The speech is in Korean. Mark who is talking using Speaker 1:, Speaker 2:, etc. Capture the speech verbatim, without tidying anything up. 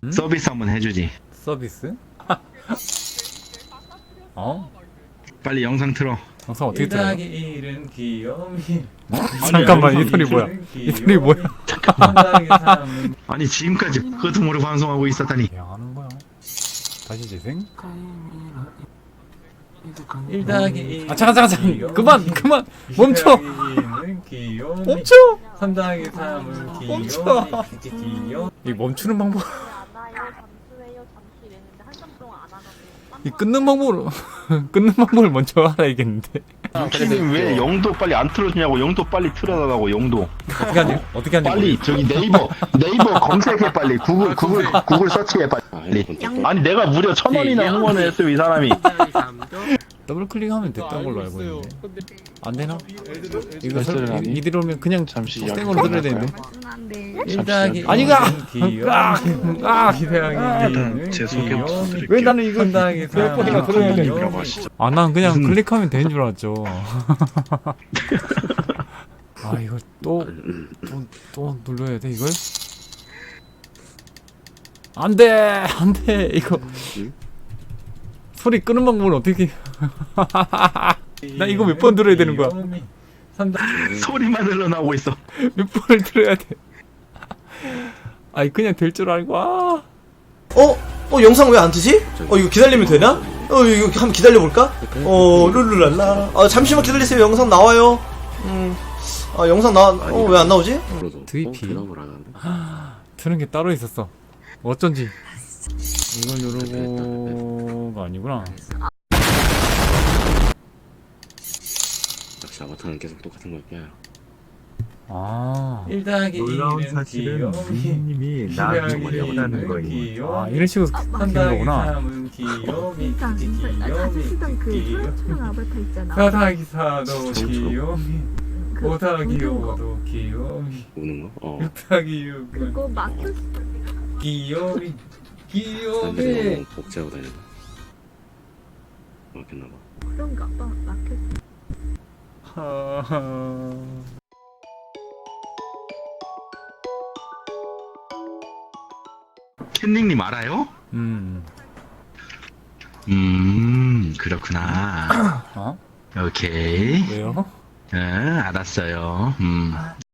Speaker 1: 응?
Speaker 2: 서비스 한번 해주지.
Speaker 1: 서비스? 어?
Speaker 2: 빨리 영상 틀어.
Speaker 1: 영상 어떻게 들어요?
Speaker 3: 일은 귀요미.
Speaker 1: 잠깐만
Speaker 2: 아니,
Speaker 1: 이 소리 뭐야? 이 소리 뭐야?
Speaker 2: 아니 지금까지 그것도 모르고 방송하고 있었다니.
Speaker 1: 그냥 하는 거야. 다시 재생?
Speaker 3: 일 더하기 일.
Speaker 1: 아 잠깐 잠깐 잠깐 그만 그만 멈춰 멈춰
Speaker 3: 삼 더하기 삼은 귀요미.
Speaker 1: 멈춰.
Speaker 3: 귀요미.
Speaker 1: 이 멈추는 방법
Speaker 4: 않아요. 잠수해요. 잠시 이랬는데 한참 동안 안 하거든요.
Speaker 1: 이 끊는 방법으로 끊는 방법을 먼저 알아야겠는데
Speaker 2: 유키님 왜 영도 빨리 안 틀어주냐고. 영도 빨리 틀어달라고. 영도
Speaker 1: 어떻게 하지 어떻게 하지
Speaker 2: 빨리 저기 네이버 네이버 검색해 빨리. 구글 구글 구글 서치해 빨리. 아니 내가 무려 천 원이나 후원을 했어요 이 사람이.
Speaker 1: 더블 클릭하면 됐던 걸로 알고 있는데 안 되나? 이거 설, 이- 이대로 오면 그냥
Speaker 5: 잠시
Speaker 1: 땡으로 들어야 되는데
Speaker 3: 일 더하기
Speaker 1: 아니가!
Speaker 3: 귀요미.
Speaker 1: 아! 아!
Speaker 3: 이 더하기
Speaker 5: 일단 제 소개부터
Speaker 3: 귀요미.
Speaker 5: 드릴게요.
Speaker 1: 왜 나는 이거
Speaker 3: 삼 더하기
Speaker 1: 몇
Speaker 3: 삼은
Speaker 1: 번이나 들어야 돼?
Speaker 3: 귀요미.
Speaker 1: 아 난 그냥
Speaker 2: 무슨-
Speaker 1: 클릭하면 되는 줄 알았죠 아 이걸 또 또 또 눌러야 돼 이걸? 안돼 안돼 이거 소리 끄는 방법은 어떻게 나 이거 몇 번 들어야 되는 거야?
Speaker 3: 귀요미. 삼 더하기
Speaker 2: 소리만 흘러나오고 있어.
Speaker 1: 몇 번을 들어야 돼 아이 그냥 될 줄 알고 아
Speaker 6: 어? 어 영상 왜 안 뜨지? 어 이거 기다리면 되나? 어 이거 한번 기다려볼까? 어 룰루랄라 아 잠시만 기다리세요 영상 나와요 음아 영상 나와 어 왜 안 나오지?
Speaker 1: 드이피 트는 게 따로 있었어 어쩐지 이걸 누르고가 아니구나
Speaker 5: 역시 아바타는 계속 똑같은 걸 껴요.
Speaker 1: 아,
Speaker 3: 일 더하기
Speaker 7: 놀라운
Speaker 3: 일은
Speaker 7: 사실은
Speaker 3: 귀요미.
Speaker 7: 미인님이
Speaker 3: 이
Speaker 7: 나를
Speaker 3: 더하기
Speaker 7: 원한다는
Speaker 3: 일은
Speaker 7: 거예요.
Speaker 3: 귀요미.
Speaker 1: 아 이런 식으로
Speaker 3: 삼
Speaker 1: 바뀌는
Speaker 3: 더하기
Speaker 1: 거구나
Speaker 3: 삼은 귀요미.
Speaker 8: 그러니까 나 자주 쓰던 그
Speaker 3: 귀요미.
Speaker 8: 소형처럼 아바타 있잖아.
Speaker 3: 사 더하기 사도
Speaker 5: 그렇죠.
Speaker 3: 귀요미.
Speaker 8: 그
Speaker 3: 오 더하기
Speaker 8: 묻은 거.
Speaker 3: 오도 귀요미.
Speaker 5: 우는 거? 어.
Speaker 3: 육 더하기 육은
Speaker 8: 그거 막혔어.
Speaker 3: 귀요미.
Speaker 5: 딴
Speaker 3: 귀요미.
Speaker 5: 데서 복제하고 다니는 거. 맞겠나 봐.
Speaker 8: 그런가 봐. 막혔어.
Speaker 1: 하하.
Speaker 2: 캔닝님 알아요?
Speaker 1: 음,
Speaker 2: 음 그렇구나.
Speaker 1: 어?
Speaker 2: 오케이.
Speaker 1: 왜요?
Speaker 2: 응 알았어요. 음